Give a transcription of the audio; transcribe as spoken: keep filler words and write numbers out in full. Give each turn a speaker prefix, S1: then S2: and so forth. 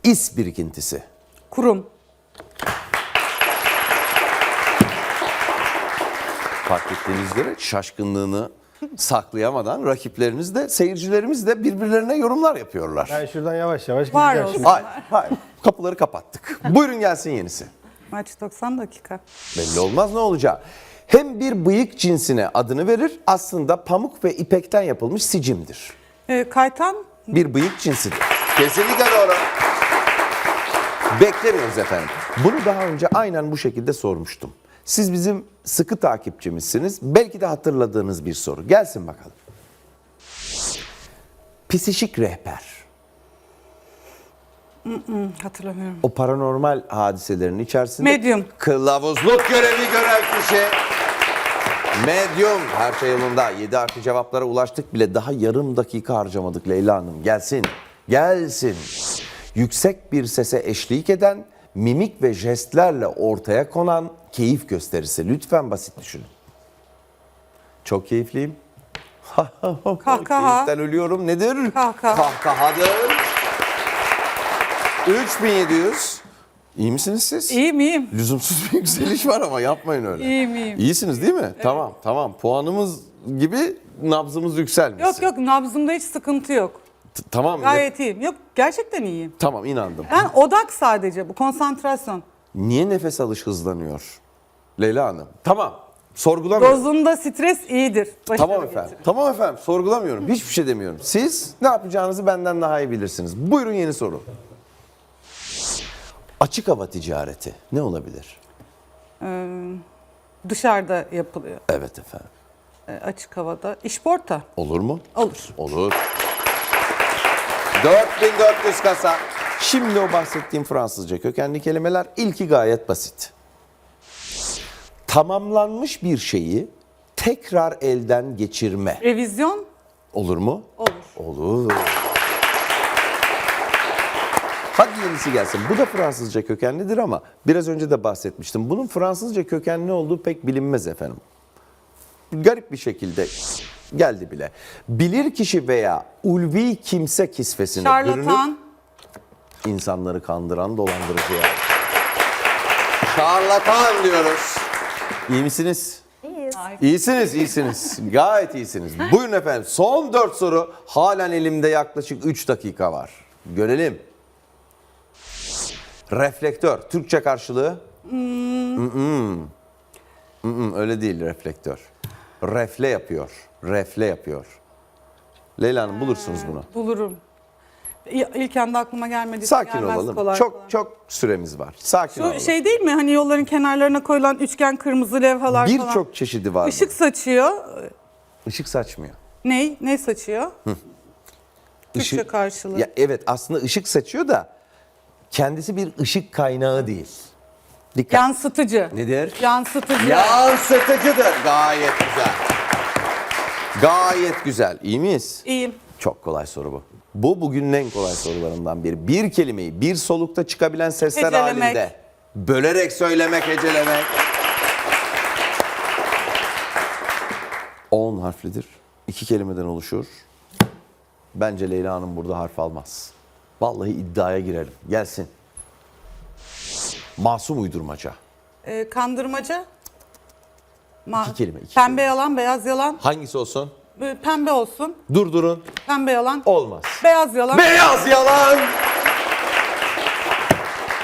S1: İs birikintisi.
S2: Kurum.
S1: Fark ettiğiniz üzere şaşkınlığını saklayamadan rakiplerimiz de seyircilerimiz de birbirlerine yorumlar yapıyorlar.
S3: Ben şuradan yavaş yavaş
S2: Var
S3: gideceğim
S2: olsun.
S3: şimdi.
S1: Hayır, hayır. Kapıları kapattık. Buyurun gelsin yenisi.
S2: Maç doksan dakika.
S1: Belli olmaz ne olacak. Hem bir bıyık cinsine adını verir, aslında pamuk ve ipekten yapılmış sicimdir.
S2: Ee, kaytan.
S1: Bir bıyık cinsidir. Kesinlikle doğru. Beklemiyoruz efendim. Bunu daha önce aynen bu şekilde sormuştum. Siz bizim sıkı takipçimizsiniz. Belki de hatırladığınız bir soru. Gelsin bakalım. Psişik rehber.
S2: Hatırlamıyorum.
S1: O paranormal hadiselerin içerisinde
S2: Medyum.
S1: kılavuzluk görevi gören kişi. Medyum. Her şey yolunda. yedi harfli cevaplara ulaştık bile. Daha yarım dakika harcamadık Leyla Hanım. Gelsin. Gelsin. Yüksek bir sese eşlik eden, mimik ve jestlerle ortaya konan keyif gösterisi. Lütfen basit düşünün. Çok keyifliyim.
S2: Kahkaha.
S1: Keyiften ölüyorum. Nedir?
S2: Kahkaha.
S1: Kahkahadır. üç bin yedi yüz. İyi misiniz siz?
S2: İyiyim iyiyim.
S1: Lüzumsuz bir yükseliş var ama yapmayın öyle.
S2: İyiyim iyiyim.
S1: İyisiniz değil mi? Tamam tamam. Puanımız gibi nabzımız yükselmesin.
S2: Yok yok, nabzımda hiç sıkıntı yok.
S1: T- Tamam.
S2: Gayet iyiyim. Yok, gerçekten iyiyim.
S1: Tamam inandım.
S2: Ben odak sadece bu, konsantrasyon.
S1: Niye nefes alış hızlanıyor? Leyla Hanım. Tamam. Sorgulamıyorum.
S2: Dozunda stres iyidir. Başarı
S1: Tamam
S2: getirir.
S1: efendim. Tamam efendim. Sorgulamıyorum. Hiçbir şey demiyorum. Siz ne yapacağınızı benden daha iyi bilirsiniz. Buyurun yeni soru. Açık hava ticareti ne olabilir?
S2: Ee, dışarıda yapılıyor.
S1: Evet efendim.
S2: Ee, açık havada. İşporta.
S1: Olur mu?
S2: Olur.
S1: Olur. dört bin dört yüz kasa. Şimdi o bahsettiğim Fransızca kökenli kelimeler ilki gayet basit. Tamamlanmış bir şeyi tekrar elden geçirme.
S2: Revizyon.
S1: Olur mu?
S2: Olur.
S1: Olur. Hadi yenisi gelsin. Bu da Fransızca kökenlidir ama biraz önce de bahsetmiştim. Bunun Fransızca kökenli olduğu pek bilinmez efendim. Garip bir şekilde geldi bile. Bilir kişi veya ulvi kimse kisvesine bürünüp
S2: Şarlatan.
S1: insanları kandıran dolandırıcı ya. Şarlatan diyoruz. İyi misiniz?
S4: İyiyiz.
S1: İyisiniz, iyisiniz. Gayet iyisiniz. Buyurun efendim. Son dört soru. Halen elimde yaklaşık üç dakika var. Görelim. Reflektör. Türkçe karşılığı? Hmm. Mm-mm. Mm-mm, öyle değil reflektör. Refle yapıyor. Refle yapıyor. Leyla Hanım bulursunuz bunu.
S2: Bulurum. İ- İlk anda aklıma gelmedi.
S1: Sakin
S2: Gelmez
S1: olalım.
S2: kolay
S1: çok
S2: kolay.
S1: çok süremiz var. Sakin
S2: Şu
S1: olalım.
S2: şey değil mi? Hani yolların kenarlarına koyulan üçgen kırmızı levhalar falan.
S1: Birçok çeşidi var.
S2: Işık saçıyor.
S1: bunun. Işık saçmıyor.
S2: Ney? Ne saçıyor? Türkçe
S1: Işık-
S2: karşılığı.
S1: Ya evet aslında ışık saçıyor da kendisi bir ışık kaynağı değil. Dikkat.
S2: Yansıtıcı.
S1: Nedir?
S2: Yansıtıcı.
S1: Yansıtıcıdır. Gayet güzel. Gayet güzel. İyi miyiz?
S2: İyiyim.
S1: Çok kolay soru bu. Bu bugünün en kolay sorularından biri. Bir kelimeyi bir solukta çıkabilen sesler
S2: Hecelemek.
S1: halinde bölerek söylemek, hecelemek. on harflidir. İki kelimeden oluşur. Bence Leyla Hanım burada harf almaz. Vallahi iddiaya girelim. Gelsin. Masum uydurmaca.
S2: Ee, kandırmaca. Ma-
S1: İki kelime, iki
S2: pembe yalan, beyaz yalan.
S1: Hangisi olsun?
S2: Ee, Pembe olsun.
S1: Durdurun.
S2: Pembe yalan.
S1: Olmaz.
S2: Beyaz yalan.
S1: Beyaz yalan.